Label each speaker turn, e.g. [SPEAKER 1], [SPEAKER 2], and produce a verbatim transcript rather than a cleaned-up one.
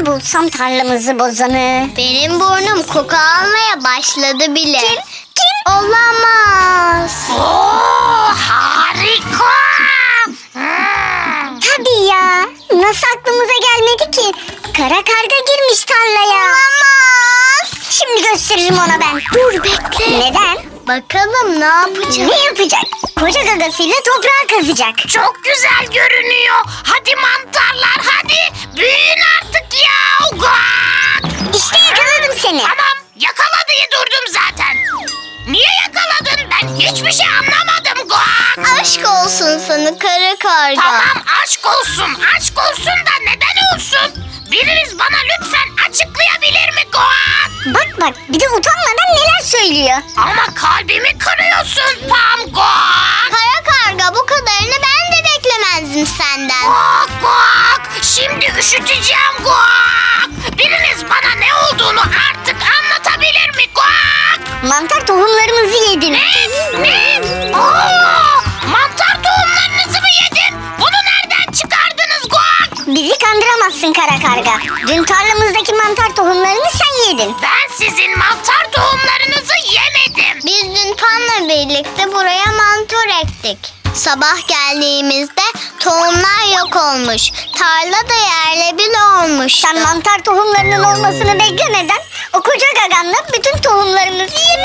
[SPEAKER 1] bulsam tarlamızı bozanı.
[SPEAKER 2] Benim burnum koku almaya başladı bile.
[SPEAKER 1] Kim? Kim?
[SPEAKER 2] Olamaz.
[SPEAKER 3] Oo, harika. Hmm.
[SPEAKER 1] Tabii ya. Nasıl aklımıza gelmedi ki? Kara karga girmiş tarlaya.
[SPEAKER 2] Olamaz.
[SPEAKER 1] Şimdi gösteririm ona ben.
[SPEAKER 2] Dur bekle.
[SPEAKER 1] Neden?
[SPEAKER 2] Bakalım ne yapacak?
[SPEAKER 1] Ne yapacak? Koca gagasıyla toprağı kazacak.
[SPEAKER 3] Çok güzel görünüyor. Hadi mantarlar hadi. Büyüyün artık ya. Guak.
[SPEAKER 1] İşte yakaladım seni.
[SPEAKER 3] Tamam, yakala diye durdum zaten. Niye yakaladın? Ben hiçbir şey anlamadım. Guak.
[SPEAKER 2] Aşk olsun sana kara karga.
[SPEAKER 3] Tamam, aşk olsun. Aşk olsun da neden olsun? Biriniz bana lütfen açıklayabilir mi Guak?
[SPEAKER 1] Bak bak bir de utanmadan neler söylüyor.
[SPEAKER 3] Ama kalbimi kırıyorsun Pam Guak.
[SPEAKER 2] Kara karga bu kadarını ben de beklemezdim senden.
[SPEAKER 3] Guak guak. Şimdi üşüteceğim Guak. Biriniz bana ne olduğunu artık anlatabilir mi Guak?
[SPEAKER 1] Mantar tohumlarımızı yedin.
[SPEAKER 3] Ne? Ne? Aa, mantar tohumlarınızı mı yedim? Bunu nereden çıkardınız Guak?
[SPEAKER 1] Bizi kandıramazsın kara karga. Dün tarlamızdaki mantar tohumlarını sen yedin.
[SPEAKER 3] Ben sizin mantar tohumlarınızı yemedim.
[SPEAKER 2] Biz dün Pan'la birlikte buraya mantar ektik. Sabah geldiğimizde tohumlar yok olmuş. Tarla da yerle bir olmuş.
[SPEAKER 1] Sen mantar tohumlarının olmasını beklemeden o koca gaganla bütün tohumlarımızı yemişsin.